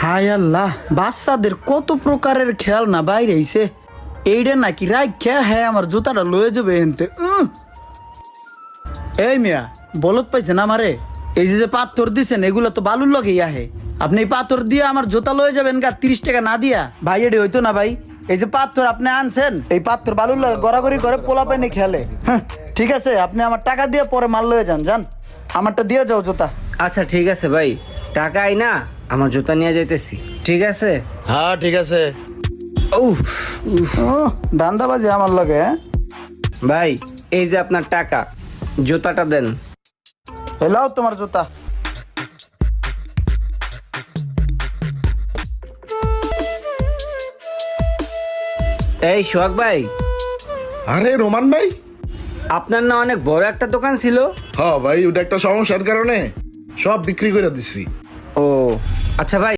হায় আল্লাহ, বাচ্চাদের কত প্রকারের খেলনা বাইরে আইছে। এইটা নাকি রাখা, হ্যাঁ আমার জুতাটা লয়ে যাবে এনতে। এই মিয়া, বলত পাইছেন আমারে? এই যে যে পাথর দিছেন এগুলো তো বালুর লগেই আহে। আপনি এই পাথর দিয়ে আমার জুতা লয়ে যাবেন গা 30 টাকা না দিয়া? ভাই এটি হইতো না ভাই। এই যে পাথর আপনি আনছেন, এই পাথর বালুর লগে গড়াগড়ি করে পোলা পাইনে খেলে। হ্যাঁ ঠিক আছে, আপনি আমার টাকা দিয়ে পরে মাল লয়ে যান। যান, আমারটা দিয়ে যাও জুতা। আচ্ছা ঠিক আছে ভাই, টাকাই না আমার জুতা নিয়ে যাইতেছি, ঠিক আছে? হ্যাঁ ঠিক আছে। ও দান্দাবাজি আমার লগে। হ্যাঁ ভাই এই যে আপনার টাকা, জুতাটা দেন। হেলাও তোমার জুতা। এই সোহাগ ভাই, আরে রোমান ভাই। আপনার না অনেক বড় একটা দোকান ছিল? হ্যাঁ ভাই, ওটা একটা সমস্যার কারণে সব বিক্রি করে দিছি। ও আচ্ছা ভাই,